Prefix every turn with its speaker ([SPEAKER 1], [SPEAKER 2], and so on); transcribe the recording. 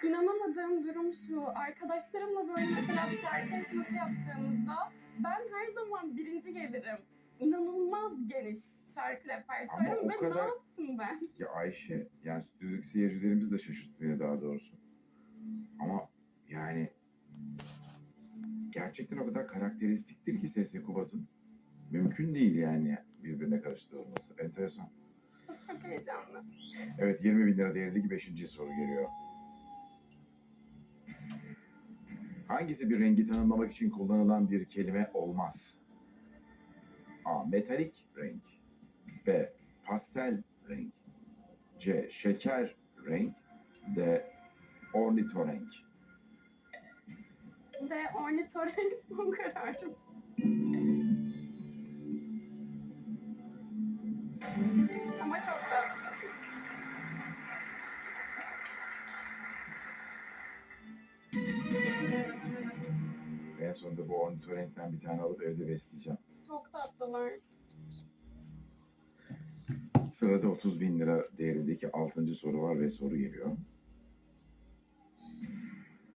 [SPEAKER 1] İnanamadığım durum şu, arkadaşlarımla böyle mesela bir şarkı yarışması yaptığımızda ben her zaman birinci gelirim. İnanılmaz geniş şarkı
[SPEAKER 2] Ama
[SPEAKER 1] repertuarım
[SPEAKER 2] o
[SPEAKER 1] ve ne
[SPEAKER 2] kadar...
[SPEAKER 1] yaptım ben?
[SPEAKER 2] Ya Ayşe, yani stüdyodaki seyircilerimiz de şaşırttı daha doğrusu. Ama yani gerçekten o kadar karakteristiktir ki sesi Kubat'ın. Mümkün değil yani birbirine karıştırılması. Enteresan.
[SPEAKER 1] Çok heyecanlı.
[SPEAKER 2] Evet, 20.000 lira değerindeki 5. soru geliyor. Hangisi bir rengi tanımlamak için kullanılan bir kelime olmaz? A. Metalik renk. B. Pastel renk. C. Şeker renk. D. Ornitorenk.
[SPEAKER 1] Ve ornitorenk son kararım. Ama çok tatlı.
[SPEAKER 2] En sonunda bu ornitorenkten bir tane alıp evde besleyeceğim.
[SPEAKER 1] Çok tatlılar.
[SPEAKER 2] Sırada 30.000 lira değerindeki 6. soru var ve soru geliyor.